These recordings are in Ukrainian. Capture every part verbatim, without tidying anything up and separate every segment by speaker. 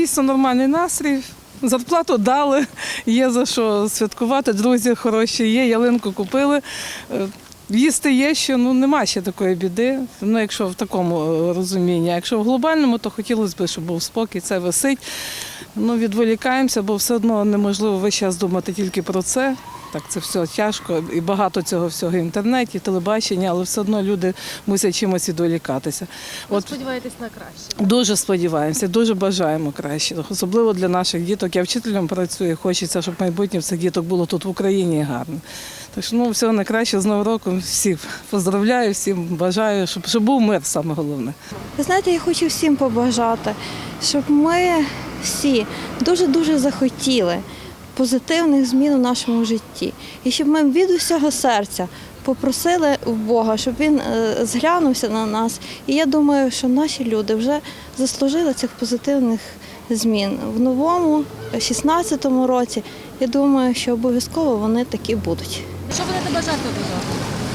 Speaker 1: дійсно нормальний настрій. Зарплату дали, є за що святкувати, друзі хороші є, ялинку купили. Їсти є, що ну, нема ще такої біди, ну, якщо в такому розумінні. А якщо в глобальному, то хотілося б, щоб був спокій, це висить. Ну, відволікаємося, бо все одно неможливо весь час думати тільки про це. Так, це все тяжко і багато цього всього в інтернеті, телебачення, але все одно люди мусять чимось відволікатися.
Speaker 2: Ви сподіваєтесь на краще?
Speaker 1: Дуже сподіваємося, дуже бажаємо краще, особливо для наших діток. Я вчителем працюю, хочеться, щоб майбутнє цих діток було тут в Україні гарно. Так що ну, всього найкраще з Новим роком. Всіх поздравляю, всім бажаю, щоб, щоб був мир, саме головне.
Speaker 3: Ви знаєте, я хочу всім побажати, щоб ми всі дуже-дуже захотіли позитивних змін у нашому житті. І щоб ми від усього серця попросили в Бога, щоб Він зглянувся на нас. І я думаю, що наші люди вже заслужили цих позитивних змін. В новому, шістнадцятому році, я думаю, що обов'язково вони такі будуть.
Speaker 2: Що будете бажати одразу?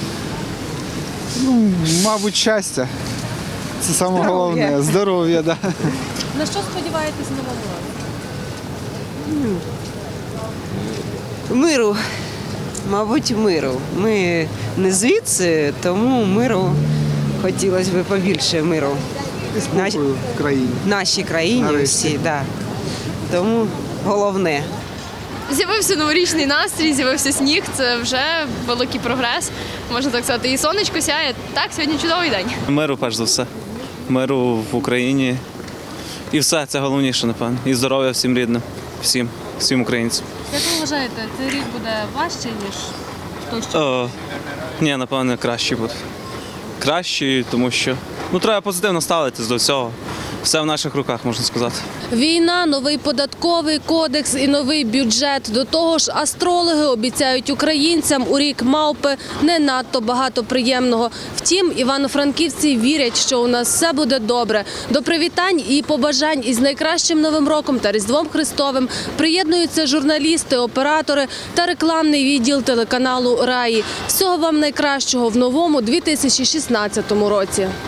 Speaker 4: Ну, мабуть, щастя. Це саме головне. Здоров'я, да.
Speaker 2: На що сподіваєтесь в новому році?
Speaker 5: Миру, мабуть, миру. Ми не звідси, тому миру хотілося б побільше миру.
Speaker 4: І спокою в країні.
Speaker 5: В нашій країні
Speaker 4: Нарешті.
Speaker 5: всі, да. Тому головне.
Speaker 6: З'явився новорічний настрій, з'явився сніг, це вже великий прогрес, можна так сказати. І сонечко сяє. Так, сьогодні чудовий день.
Speaker 7: Миру, перш за все. Миру в Україні. І все, це головніше, напевно. І здоров'я всім рідним, всім, всім українцям.
Speaker 2: Як ви вважаєте, цей рік буде важче, ніж той, що?
Speaker 7: О, ні, напевно, краще буде. Краще, тому що ну, треба позитивно ставитись до всього. Все в наших руках, можна сказати.
Speaker 2: Війна, новий податковий кодекс і новий бюджет. До того ж, астрологи обіцяють українцям у рік мавпи не надто багато приємного. Втім, івано-франківці вірять, що у нас все буде добре. До привітань і побажань із найкращим Новим роком та Різдвом Христовим приєднуються журналісти, оператори та рекламний відділ телеканалу «Раї». Всього вам найкращого в новому дві тисячі шістнадцятому році.